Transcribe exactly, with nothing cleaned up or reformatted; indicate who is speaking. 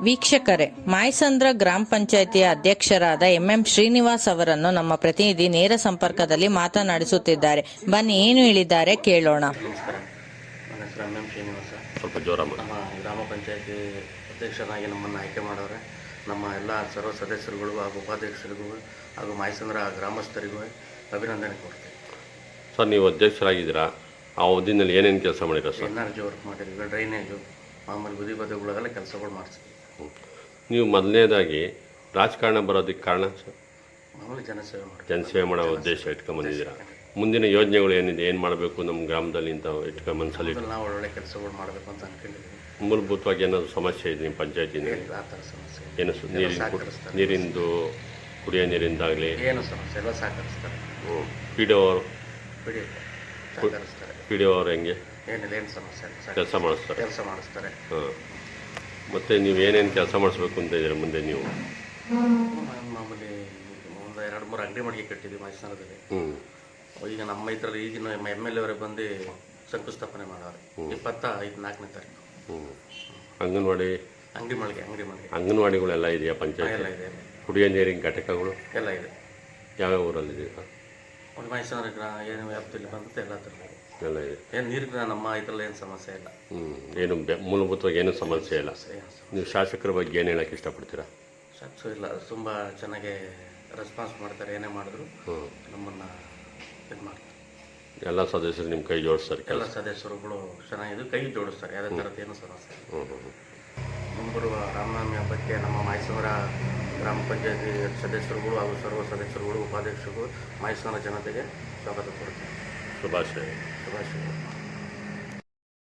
Speaker 1: ವೀಕ್ಷಕರೇ, ಮಾಯಸಂದ್ರ ಗ್ರಾಮ ಪಂಚಾಯಿತಿಯ ಅಧ್ಯಕ್ಷರಾದ ಎಂಎಂ ಶ್ರೀನಿವಾಸ್ ಅವರನ್ನು ನಮ್ಮ ಪ್ರತಿನಿಧಿ ನೇರ ಸಂಪರ್ಕದಲ್ಲಿ ಮಾತನಾಡಿಸುತ್ತಿದ್ದಾರೆ. ಬನ್ನಿ, ಏನು ಹೇಳಿದ್ದಾರೆ ಕೇಳೋಣ.
Speaker 2: ನಮಸ್ಕಾರ, ನನ್ನ ಹೆಸರು ಎಂ ಎಂ ಶ್ರೀನಿವಾಸ.
Speaker 3: ಸ್ವಲ್ಪ ಜೋರ
Speaker 2: ನಮ್ಮ ಗ್ರಾಮ ಪಂಚಾಯಿತಿ ಅಧ್ಯಕ್ಷರಾಗಿ ನಮ್ಮನ್ನು ಆಯ್ಕೆ ಮಾಡವ್ರೆ. ನಮ್ಮ ಎಲ್ಲ ಸರ್ವ ಸದಸ್ಯರುಗಳು ಹಾಗೂ ಉಪಾಧ್ಯಕ್ಷರಿಗೂ ಹಾಗೂ ಮಾಯಸಂದ್ರ ಗ್ರಾಮಸ್ಥರಿಗೂ ಅಭಿನಂದನೆ ಕೊಡ್ತೇವೆ.
Speaker 3: ಸರ್, ನೀವು ಅಧ್ಯಕ್ಷರಾಗಿದ್ದೀರಾ, ಆ ಅವಧಿನಲ್ಲಿ ಏನೇನು ಕೆಲಸ ಮಾಡಿರ sir?
Speaker 2: N R G work ಮಾಡಿದ್ವಿ, ಡ್ರೈನೇಜು, ಮಾಮೂಲಿ ಬದಿ ಬದಿಗಳಿಗೆಲ್ಲ ಕೆಲಸಗಳು ಮಾಡಿಸ್ತೀವಿ.
Speaker 3: ನೀವು ಮೊದಲನೇದಾಗಿ ರಾಜಕಾರಣ ಬರೋದಕ್ಕೆ ಕಾರಣ ಸರ್?
Speaker 2: ಮಾಮೂಲಿ ಜನಸೇವೆ ಮಾಡಿ
Speaker 3: ಜನಸೇವೆ ಮಾಡೋ ಉದ್ದೇಶ ಇಟ್ಕೊಂಬಂದಿದ್ದೀರಾ. ಮುಂದಿನ ಯೋಜನೆಗಳು ಏನಿದೆ, ಏನು ಮಾಡಬೇಕು ನಮ್ಮ ಗ್ರಾಮದಲ್ಲಿ ಅಂತ ಇಟ್ಕೊಂಡು ಮನಸ್ಸಲ್ಲಿ
Speaker 2: ನಾವು ಒಳ್ಳೊಳ್ಳೆ ಕೆಲಸಗಳು ಮಾಡಬೇಕು ಅಂತ ಅನ್ಕೊಂಡಿದ್ದೀವಿ.
Speaker 3: ಮೂಲಭೂತವಾಗಿ ಏನಾದರೂ ಸಮಸ್ಯೆ ಇದೆ ನಿಮ್ಮ ಪಂಚಾಯತಿನಲ್ಲಿ?
Speaker 2: ಆ ಥರ ಸಮಸ್ಯೆ
Speaker 3: ಏನು ನೀರಿನ ನೀರಿಂದು ಕುಡಿಯೋ ನೀರಿಂದಾಗಲಿ
Speaker 2: ಏನು ಸಮಸ್ಯೆ ಎಲ್ಲ ಸಹಕರಿಸ್ತಾರೆ.
Speaker 3: ಹ್ಞೂ ಪಿ ಡಿ ಅವರು
Speaker 2: ಬಿಡಿ ಸಹಕರಿಸ್ತಾರೆ.
Speaker 3: ಪಿ ಡಿ ಅವರು ಹೆಂಗೆ
Speaker 2: ಏನಿಲ್ಲ, ಏನು ಸಮಸ್ಯೆ ಇಲ್ಲ,
Speaker 3: ಕೆಲಸ ಮಾಡಿಸ್ತಾರೆ
Speaker 2: ಕೆಲಸ ಮಾಡಿಸ್ತಾರೆ.
Speaker 3: ಹಾಂ, ಮತ್ತು ನೀವು ಏನೇನು ಕೆಲಸ ಮಾಡಿಸ್ಬೇಕು ಅಂತ ಇದ್ದೀರಾ ಮುಂದೆ? ನೀವು
Speaker 2: ಮಾಮೂಲಿ ಒಂದು ಎರಡು ಮೂರು ಅಂಗಡಿ ಮಡಿಗೆ ಕಟ್ಟಿದ್ವಿ ಮೈಸೂರಲ್ಲಿ.
Speaker 3: ಹ್ಞೂ
Speaker 2: ಈಗ ನಮ್ಮ ಇದರಲ್ಲಿ ಈಗಿನ ಎಮ್ ಎಲ್ ಎ ಅವರೇ ಬಂದು ಶಂಕುಸ್ಥಾಪನೆ ಮಾಡೋರು ಇಪ್ಪತ್ತ ಐದು ನಾಲ್ಕನೇ ತಾರೀಕು.
Speaker 3: ಹ್ಞೂ ಅಂಗನವಾಡಿ
Speaker 2: ಅಂಗಡಿ ಮಳಿಗೆ ಅಂಗಡಿ ಮಳಿಗೆ
Speaker 3: ಅಂಗನವಾಡಿಗಳೆಲ್ಲ ಇದೆಯಾ
Speaker 2: ಎಲ್ಲ
Speaker 3: ಪಂಚಾಯತ್?
Speaker 2: ಇದೆ,
Speaker 3: ಕುಡಿಯೋ ನೀರಿನ ಘಟಕಗಳು
Speaker 2: ಎಲ್ಲ ಇದೆ.
Speaker 3: ಯಾವ್ಯಾವ ಊರಲ್ಲಿದೆ ಸರ್?
Speaker 2: ಒಂದು ಮೈಸೂರು ಗ್ರಾ ಏನು ವ್ಯಾಪ್ತಿಯಲ್ಲಿ ಬಂದು ಎಲ್ಲ ಥರ
Speaker 3: ಎಲ್ಲ ಇದೆ.
Speaker 2: ಏನು ನೀರಿನ ನಮ್ಮ ಇದರಲ್ಲಿ ಏನು ಸಮಸ್ಯೆ ಇಲ್ಲ.
Speaker 3: ಹ್ಞೂ ಏನು ಬೆ- ಮೂಲಭೂತವಾಗಿ ಏನೂ ಸಮಸ್ಯೆ ಇಲ್ಲ.
Speaker 2: ಏನು ಸಮಸ್ಯೆ
Speaker 3: ನೀವು ಶಾಸಕರ ಬಗ್ಗೆ ಏನು ಹೇಳೋಕ್ಕೆ ಇಷ್ಟಪಡ್ತೀರಾ?
Speaker 2: ಸಕ್ಸು ಇಲ್ಲ, ತುಂಬ ಚೆನ್ನಾಗಿ ರೆಸ್ಪಾನ್ಸ್ ಮಾಡ್ತಾರೆ. ಏನೇ ಮಾಡಿದ್ರು
Speaker 3: ಹ್ಞೂ
Speaker 2: ನಮ್ಮನ್ನು ಇದು ಮಾಡ್ತಾರೆ.
Speaker 3: ಎಲ್ಲ ಸದಸ್ಯರು ನಿಮ್ಮ ಕೈ ಜೋಡಿಸ್ತಾರೆ
Speaker 2: ಎಲ್ಲ
Speaker 3: ಕೆಲಸ?
Speaker 2: ಸದಸ್ಯರುಗಳು ಚೆನ್ನಾಗಿದ್ದು ಕೈ ಜೋಡಿಸ್ತಾರೆ. ಯಾವುದೇ ಥರದ್ದು ಏನು ಸಮಸ್ಯೆ ಇಲ್ಲ.
Speaker 3: ಹ್ಞೂ ಹ್ಞೂ ಹ್ಞೂ
Speaker 2: ಮುಂಬರುವ ರಾಮನವಮಿ ಹಬ್ಬಕ್ಕೆ ನಮ್ಮ ಮೈಸೂರ ಗ್ರಾಮ ಪಂಚಾಯತಿ ಸದಸ್ಯರುಗಳು ಹಾಗೂ ಸರ್ವ ಸದಸ್ಯರುಗಳು ಉಪಾಧ್ಯಕ್ಷರು ಮೈಸೂರಿನ ಜನತೆಗೆ ಸ್ವಾಗತ ಕೊಡ್ತಾರೆ.
Speaker 3: ಶುಭಾಶಯ.
Speaker 2: ಶುಭಾಶಯ.